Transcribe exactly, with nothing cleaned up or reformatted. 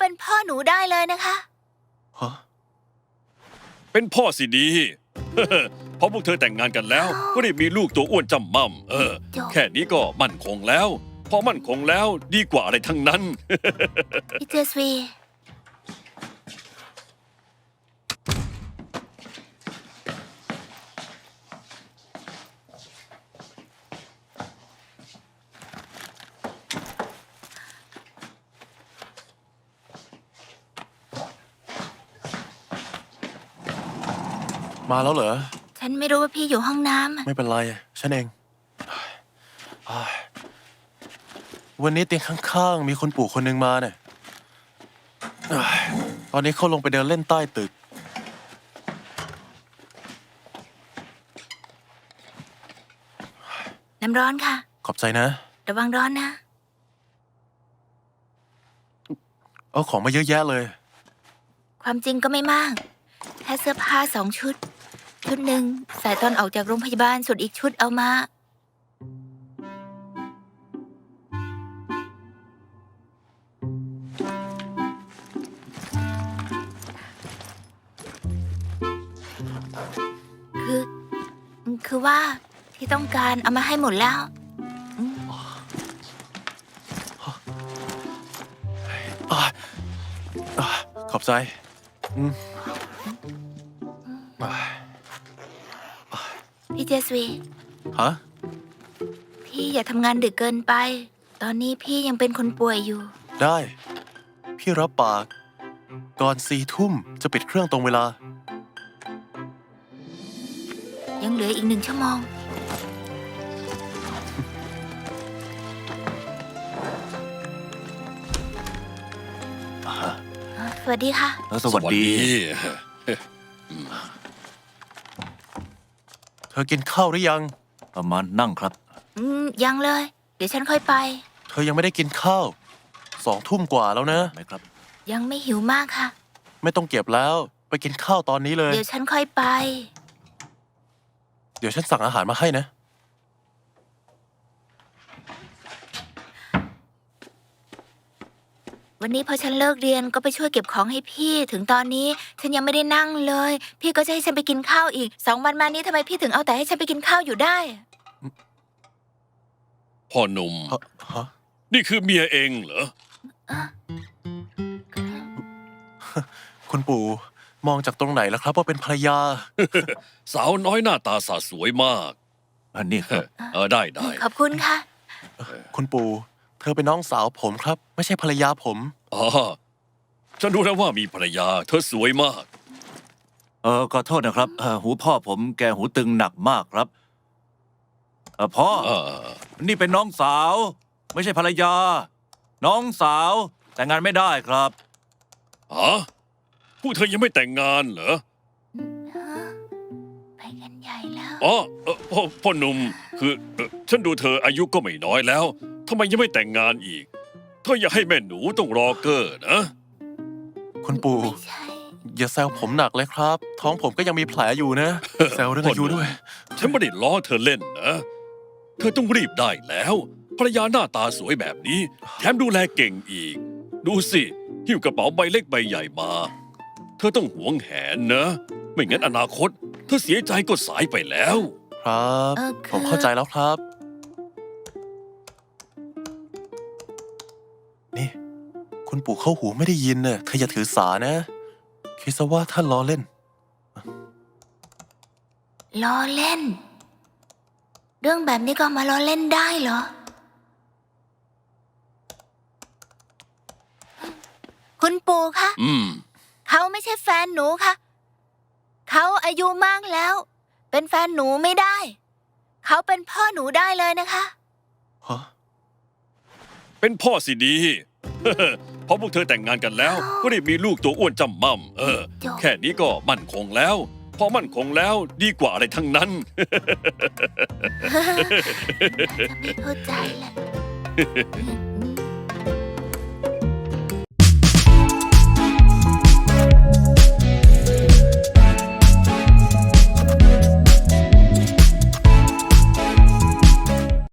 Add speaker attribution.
Speaker 1: เป็นพ่อหนูได้เลยนะคะ
Speaker 2: ฮะ
Speaker 3: เป็นพ่อสิดี เพราะพวกเธอแต่งงานกันแล้ว ก็ได้มีลูกตัวอ้วนจำม่ำเออ
Speaker 1: จบ
Speaker 3: แค่นี้ก็มั่นคงแล้ว พอมั่นคงแล้วดีกว่าอะไรทั้งนั้น
Speaker 1: พี่เจสวี
Speaker 2: มาแล้วเหรอ
Speaker 1: ฉันไม่รู้ว่าพี่อยู่ห้องน้ำ
Speaker 2: ไม่เป็นไร ฉันเองอ้ายวันนี้เตียงข้างๆ มีคนปู่คนหนึ่งมาเนี่ยอ้ายตอนนี้เขาลงไปเดินเล่นใต้ตึก
Speaker 1: น้ำร้อนค่ะ
Speaker 2: ขอบใจนะ
Speaker 1: ระวังร้อนนะ
Speaker 2: เอาของมาเยอะแยะเลย
Speaker 1: ความจริงก็ไม่มาก แค่เสื้อผ้าสองชุด ชุดหนึ่งใส่ตอนออกจากโรงพยาบาล ส่วนอีกชุดเอามา คือ คือว่าที่ต้องการเอามาให้หมดแล้ว
Speaker 2: อ่าอ่าขอบใจอืมอ่า
Speaker 1: พี่เจสวี
Speaker 2: ฮะ
Speaker 1: พี่อย่าทำงานดึกเกินไป ตอนนี้พี่ยังเป็นคนป่วยอยู่
Speaker 2: ได้ พี่รับปาก ก่อนสี่ทุ่มจะปิดเครื่องตรงเวลา
Speaker 1: ยังเหลืออีกหนึ่งชั่วโมง สวัสดีค่ะ
Speaker 4: สวัสดี
Speaker 2: เธอกินข้าวหรือยัง
Speaker 4: ประมาณนั่งครับ
Speaker 1: อืม ยังเลย เดี๋ยวฉันค่อยไป
Speaker 2: เธอยังไม่ได้กินข้าว สองทุ่มกว่าแล้วนะ
Speaker 4: ไหมครับ
Speaker 1: ยังไม่หิวมากค่ะ
Speaker 2: ไม่ต้องเก็บแล้ว ไปกินข้าวตอนนี้เลย
Speaker 1: เดี๋ยวฉันค่อยไป
Speaker 2: เดี๋ยวฉันสั่งอาหารมาให้นะ
Speaker 1: วันนี้พอฉันเลิกเรียนก็ไปช่วยเก็บของให้พี่ ถึงตอนนี้ฉันยังไม่ได้นั่งเลย พี่ก็จะให้ฉันไปกินข้าวอีก สองวันมานี้ทำไมพี่ถึงเอาแต่ให้ฉันไปกินข้าวอยู่ได้
Speaker 3: พ่อหนุ่ม
Speaker 2: ฮะฮะ
Speaker 3: นี่คือเมียเองเหรอ
Speaker 2: คุณปู่มองจากตรงไหนแล้วครับว่าเป็นภรรยา
Speaker 3: สาวน้อยหน้าตาสาสวยมาก
Speaker 4: อันนี้ครับ
Speaker 3: เออได้ได้
Speaker 1: ขอบคุณค่ะ
Speaker 2: คุณปู่เธอเป็นน้องสาวผมครับ ไม่ใช่ภรรยาผม
Speaker 3: อ๋อฉันรู้แล้วว่ามีภรรยา เธอสวยมาก
Speaker 4: เออขอโทษนะครับเอ่อหูพ่อผมแกหูตึงหนักมากครับเออพ่อ
Speaker 3: เออ
Speaker 4: นี่เป็นน้องสาว ไม่ใช่ภรรยา น้องสาว แต่งงานไม่ได้ครับ
Speaker 3: ฮะพวกเธอยังไม่แต่งงานเหรอ
Speaker 1: ไปกันใหญ่แล้ว
Speaker 3: อ๋อเอ่อพ่อพ่อหนุ่มคือเอ่อฉันดูเธออายุก็ไม่น้อยแล้วทำไมยังไม่แต่งงานอีกเธออย่าให้แม่หนูต้องรอเกอร์นะ
Speaker 2: คุณปู่
Speaker 1: ไม่ใช่
Speaker 2: อย่าแซวผมหนักเลยครับ ท้องผมก็ยังมีแผลอยู่นะ แซวเรื่องอายุด้วย
Speaker 3: ฉันไม่ได้ล้อเธอเล่นนะ เธอต้องรีบได้แล้วภรรยาหน้าตาสวยแบบนี้ แถมดูแลเก่งอีก ดูสิหิ้วกระเป๋าใบเล็กใบใหญ่มา เธอต้องหวงแหนนะ ไม่งั้นอนาคต เธอเสียใจก็สายไปแล้ว
Speaker 2: ครับ
Speaker 1: เออคือ
Speaker 2: ผมเข้าใจแล้วครับ นี่ คุณปู่เข้าหูไม่ได้ยินเน่ะเธออย่าถือสานะ คิดซะว่าท่านล้อเล่น
Speaker 1: ล้อเล่น เรื่องแบบนี้ก็มาล้อเล่นได้เหรอ คุณปู่คะ
Speaker 3: อืม
Speaker 1: เขาไม่ใช่แฟนหนูค่ะ เขาอายุมากแล้ว เป็นแฟนหนูไม่ได้ เขาเป็นพ่อหนูได้เลยนะคะ
Speaker 2: ฮะ
Speaker 3: เป็นพ่อสิดี เพราะพวกเธอแต่งงานกันแล้ว ก็ได้มีลูกตัวอ้วนจำม่ำเออ
Speaker 1: จบ
Speaker 3: แค่นี้ก็มั่นคงแล้ว พอมั่นคงแล้วดีกว่าอะไรทั้งนั้น
Speaker 1: จะไม่เข้าใจแหละ